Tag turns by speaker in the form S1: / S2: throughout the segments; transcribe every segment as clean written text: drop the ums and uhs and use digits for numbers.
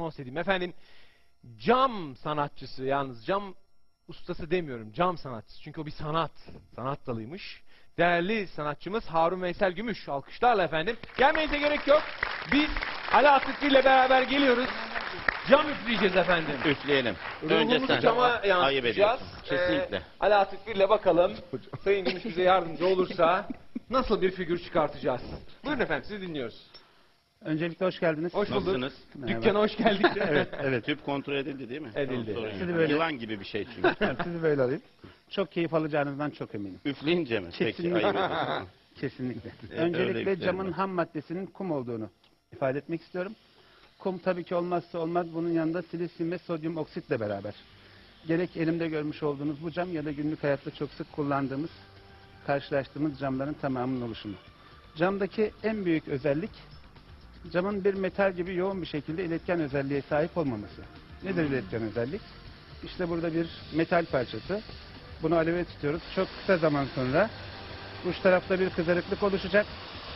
S1: anons edeyim. Efendim, cam sanatçısı, yalnız cam ustası demiyorum, cam sanatçısı. Çünkü o bir sanat dalıymış. Değerli sanatçımız Harun Veysel Gümüş. Alkışlarla efendim. Gelmenize gerek yok. Biz Ali Atıklı ile beraber geliyoruz. Cam üfleyeceğiz efendim.
S2: Üfleyelim. Önce
S1: Ruhumuzu
S2: sen.
S1: cama
S2: Ayıp
S1: yansıtacağız.
S2: ediyorsun. Kesinlikle.
S1: Ali Atıklı ile bakalım. Sayın Gümüş bize yardımcı olursa nasıl bir figür çıkartacağız? Buyurun efendim, sizi dinliyoruz.
S3: Öncelikle hoş geldiniz.
S1: Hoş bulduk.
S2: Nasılsınız?
S1: Dükkana hoş geldik.
S3: Evet.
S2: Tüp kontrol edildi değil mi?
S1: Edildi.
S2: Tamam, sorun
S3: Sizi
S2: yok.
S3: böyle-
S2: Yılan gibi bir şey çünkü.
S3: Sizi böyle alayım. Çok keyif alacağınızdan çok eminim.
S2: Üfleyince mi? Peki,
S3: Kesinlikle.
S2: ayıp ediyorsun.
S3: Kesinlikle.
S2: Evet, öyle
S3: Öncelikle
S2: yüklerim
S3: camın
S2: var.
S3: ham maddesinin kum olduğunu ifade etmek istiyorum. Kum tabii ki olmazsa olmaz. Bunun yanında silisyum ve sodyum oksitle beraber. Gerek elimde görmüş olduğunuz bu cam ya da günlük hayatta çok sık kullandığımız, karşılaştığımız camların tamamının oluşumu. Camdaki en büyük özellik, camın bir metal gibi yoğun bir şekilde iletken özelliğe sahip olmaması. Nedir iletken özellik? İşte burada bir metal parçası. Bunu aleve tutuyoruz. Çok kısa zaman sonra uç tarafta bir kızarıklık oluşacak.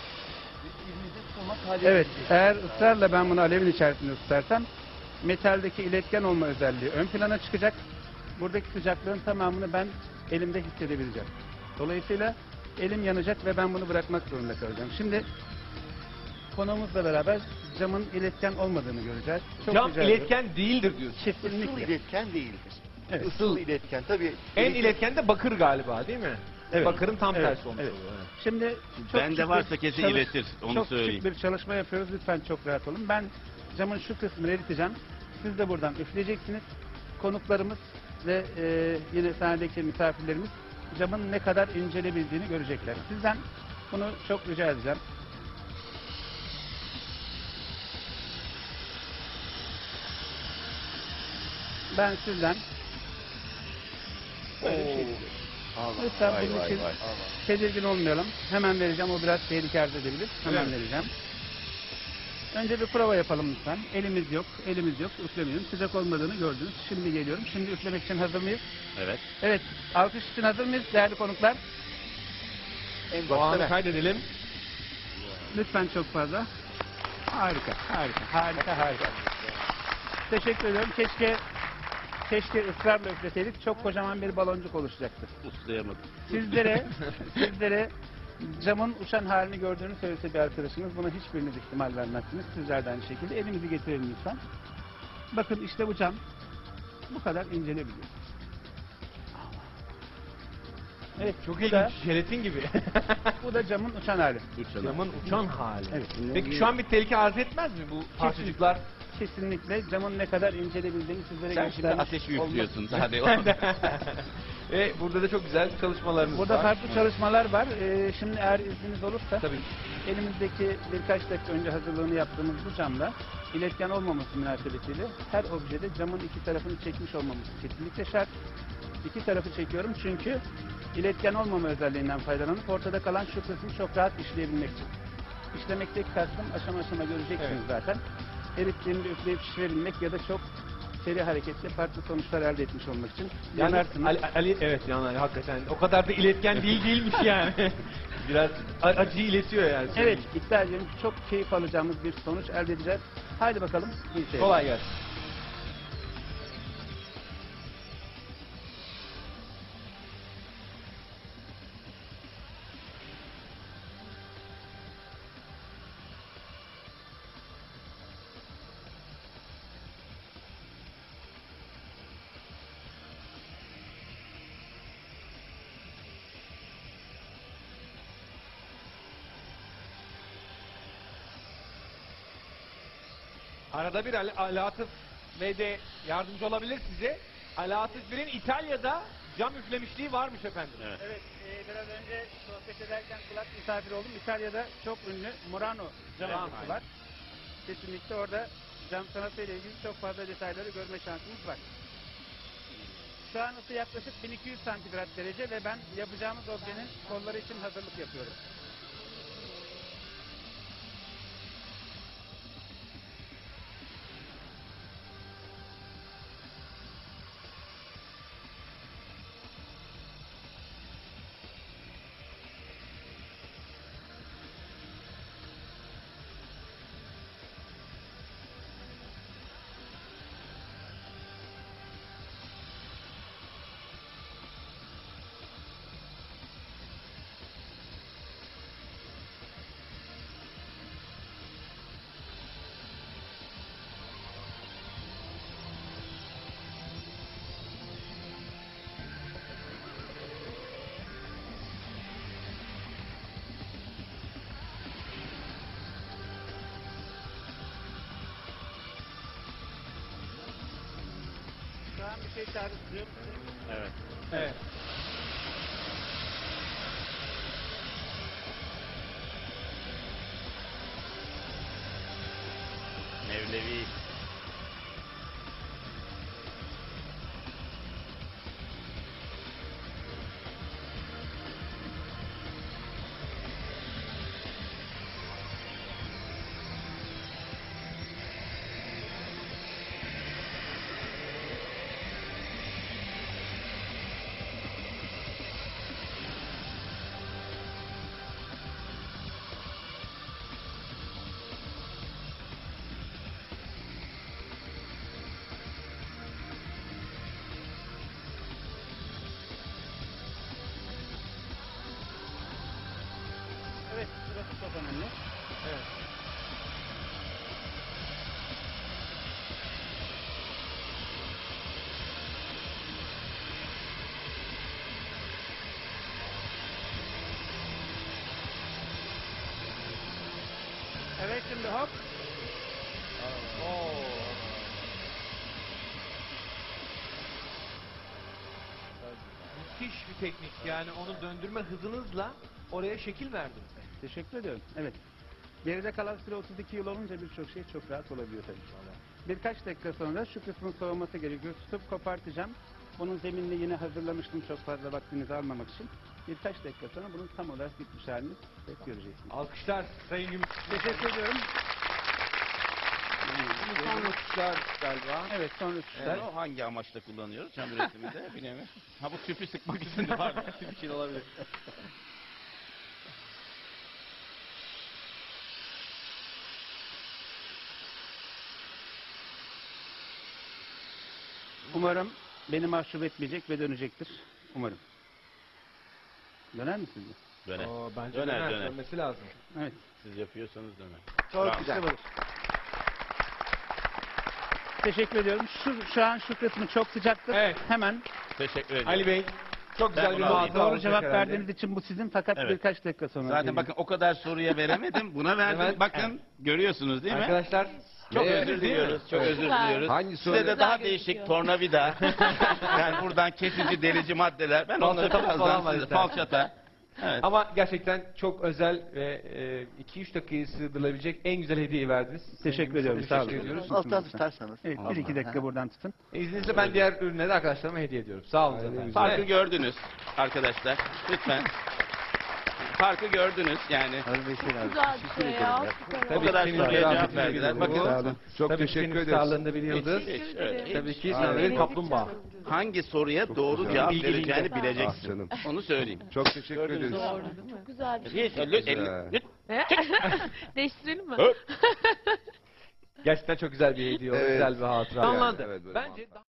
S3: Evet, eğer ısrarla ben bunu alevin içerisinde tutarsam metaldeki iletken olma özelliği ön plana çıkacak. Buradaki sıcaklığın tamamını ben elimde hissedebileceğim. Dolayısıyla elim yanacak ve ben bunu bırakmak zorunda kalacağım. Şimdi konuğumuzla beraber camın iletken olmadığını göreceğiz. Çok
S1: Cam
S3: rica ediyorum.
S1: iletken değildir diyorsun.
S4: Isıl
S3: Kesinlikle.
S4: iletken değildir.
S3: Evet.
S4: Isıl iletken tabii.
S1: En iletken de bakır galiba, değil mi?
S3: Evet.
S1: Bakırın tam
S3: Evet,
S1: tersi olmuş
S3: evet.
S1: oluyor. Evet.
S3: Şimdi çok
S2: Bende
S3: küçük
S2: varsa
S3: bir
S2: kesin
S3: çalış-
S2: iletir, onu
S3: çok
S2: söyleyeyim.
S3: küçük bir çalışma yapıyoruz. Lütfen çok rahat olun. Ben camın şu kısmını eriteceğim. Siz de buradan üfleyeceksiniz. Konuklarımız ve yine sahnedeki misafirlerimiz camın ne kadar incelebildiğini görecekler. Sizden bunu çok rica edeceğim. Ben sizden böyle bir şey istiyorum. Lütfen
S2: Vay,
S3: bunun
S2: vay,
S3: için
S2: vay.
S3: tedirgin olmayalım. Hemen vereceğim. O biraz tehlike arz edebilir. Hemen
S1: Evet.
S3: vereceğim. Önce bir prova yapalım lütfen. Elimiz yok. Elimiz yok. Üflemiyorum. Sıcak olmadığını gördünüz. Şimdi geliyorum. Şimdi üflemek için hazır mıyız?
S2: Evet.
S3: Evet. Alkış için hazır mıyız değerli konuklar?
S4: En
S1: Bu
S4: başta
S1: anı
S4: ben.
S1: kaydedelim.
S3: Lütfen çok fazla. Harika. Harika. Harika. Harika. Teşekkür ediyorum. Keşke ısrarla üfleseydik. Çok kocaman bir baloncuk oluşacaktı.
S2: Uslayamadım.
S3: Sizlere camın uçan halini gördüğünü söylese bir arkadaşınız, buna hiçbiriniz ihtimal vermezsiniz. Sizler de aynı şekilde. Elimizi getirelim lütfen. Bakın işte bu cam bu kadar incelebiliyor. Evet,
S1: Çok
S3: bu da,
S1: ilginç, jelatin gibi.
S3: bu da camın uçan hali.
S1: Camın uçan hali.
S3: Evet.
S1: Peki şu an bir tehlike arz etmez mi bu parçacıklar?
S3: Kesinlikle camın ne kadar incelebildiğini sizlere
S2: Sen şimdi
S3: göstermiş
S2: ateşi
S3: olmak-
S2: üflüyorsun. Hadi.
S1: Ve burada da çok güzel çalışmalarınız
S3: Burada
S1: var.
S3: farklı çalışmalar var. Şimdi eğer izniniz olursa
S1: Tabii.
S3: elimizdeki birkaç dakika önce hazırlığını yaptığımız bu camda iletken olmaması münasebetiyle her objede camın iki tarafını çekmiş olmamız kesinlikle şart. İki tarafı çekiyorum çünkü iletken olmama özelliğinden faydalanıp ortada kalan şu kısmı çok rahat işleyebilmek için. İşlemekteki kastım aşama aşama göreceksiniz
S1: Evet.
S3: zaten. Erittiğimde üfleyip şişirebilmek ya da çok seri hareketle farklı sonuçlar elde etmiş olmak için
S1: Yani
S3: yanarsınız.
S1: Ali evet yani hakikaten o kadar da iletken değilmiş yani. Biraz acıyı iletiyor yani.
S3: Evet, iddia ediyorum çok keyif alacağımız bir sonuç elde edeceğiz. Haydi bakalım. İyi seyirler.
S1: Kolay gelsin. Arada bir Ali Atıf Bey de yardımcı olabilir size. Ali Atıf Bey'in İtalya'da cam üflemişliği varmış efendim.
S2: Evet.
S3: Evet, biraz önce sohbet ederken kulak misafir oldum. İtalya'da çok ünlü Murano cam
S1: Tamam.
S3: yapısı var. Kesinlikle orada cam sanatıyla ilgili çok fazla detayları görme şansımız var. Şu an ısı yaklaşık 1200 santigrat derece ve ben yapacağımız objenin kolları için hazırlık yapıyorum. bir şey çağrıştırıyor.
S2: Evet.
S1: Evet.
S2: Mevlevi.
S3: Evet, burası çok önemli.
S1: Evet.
S3: Evet, şimdi hop.
S1: Müthiş bir teknik. Yani onu döndürme hızınızla oraya şekil verdiniz.
S3: Teşekkür ediyorum. Evet. Geride kalan süre 32 yıl olunca birçok şey çok rahat olabiliyor tabii. Birkaç dakika sonra şu kısmın soğuması gerekiyor. Tutup kopartacağım. Bunun zeminini yine hazırlamıştım çok fazla vaktinizi almamak için. Birkaç dakika sonra bunun tam olarak bitmiş halini göreceksiniz.
S1: Alkışlar Sayın Gümüş.
S3: Teşekkür ediyorum.
S1: Son alkışlar galiba.
S3: Evet, sonra tuşlar.
S2: O hangi amaçla kullanıyoruz çam üretiminde? Bilemiyorum. Ha bu tüpü sıkmak için de var.
S1: Bir şey olabilir.
S3: Umarım beni mahcup etmeyecek ve dönecektir. Umarım. Döner mi sizce?
S2: Döner.
S1: Oo, bence
S2: Döner, döner.
S1: Dönmesi lazım.
S3: Evet.
S2: Siz yapıyorsanız döner.
S4: Çok
S2: Bravo.
S4: güzel.
S3: Teşekkür ediyorum. Şu an şu kısmı çok sıcaktır.
S1: Evet.
S3: Hemen
S2: Teşekkür ederim.
S1: Ali Bey çok güzel
S2: Ben
S1: bir
S2: bunu
S1: muhatap
S3: doğru
S1: olacak
S3: cevap
S1: herhalde.
S3: verdiğiniz için bu sizin fakat
S2: Evet.
S3: birkaç dakika sonra.
S2: Zaten
S3: gelin.
S2: bakın o kadar soruya veremedim. Buna verdim.
S1: Evet.
S2: Bakın görüyorsunuz değil mi?
S1: Arkadaşlar
S2: Çok
S1: Evet,
S2: özür
S1: değil mi?
S2: diliyoruz. Çok özür diliyoruz.
S5: Hangi
S2: Size de
S5: soru?
S2: daha
S6: Güzel
S2: değişik
S6: gözüküyor.
S2: tornavida. Yani buradan kesici, delici maddeler. Ben onları
S1: Falçata falan var
S2: birazdan size
S1: istersen.
S2: falçata. Evet.
S1: Ama gerçekten çok özel ve 2-3 dakikayı sığdırılabilecek en güzel hediyeyi verdiniz.
S3: Teşekkür
S1: Sayın
S3: ediyorum.
S1: Gümüş,
S3: Sağ olun.
S1: teşekkür ediyoruz.
S4: Alttan tutarsanız.
S3: Evet, bir iki dakika buradan tutun.
S1: İzninizle ben diğer ürünleri arkadaşlarıma hediye ediyorum. Sağ olun efendim.
S2: Farkı
S1: Evet.
S2: gördünüz arkadaşlar. Lütfen. Farkı gördünüz yani.
S4: Harun Veysel abi.
S6: Güzel bir şey ya. Süper
S2: O
S6: oldu.
S2: kadar
S1: senin
S2: soruya
S1: zarafetine
S2: cevap verdiler.
S1: bir
S2: Bakın
S5: Sağ olun. Çok
S1: Tabii
S5: teşekkür
S1: senin
S5: ederiz.
S1: starlığında bir yıldız.
S2: hiç, evet,
S1: Tabii ki
S5: Aynen.
S1: sen bir kaplumbağa.
S2: hangi soruya doğru
S5: güzel.
S2: cevap
S1: Bilgili
S2: vereceğini
S1: insan.
S5: Ah
S2: bileceksin.
S5: canım.
S2: Onu söyleyeyim.
S5: Çok teşekkür
S2: Gördünüz
S5: ederiz.
S2: mü?
S6: Doğru değil mi? Çok güzel bir şey.
S2: Hiç,
S5: Güzel.
S6: Değiştirelim mi?
S2: Öp.
S1: Gerçekten çok güzel bir hediye oldu.
S5: Evet.
S1: Güzel bir hatıra.
S5: Yani,
S1: Anlandı.
S5: evet, böyle
S1: Bence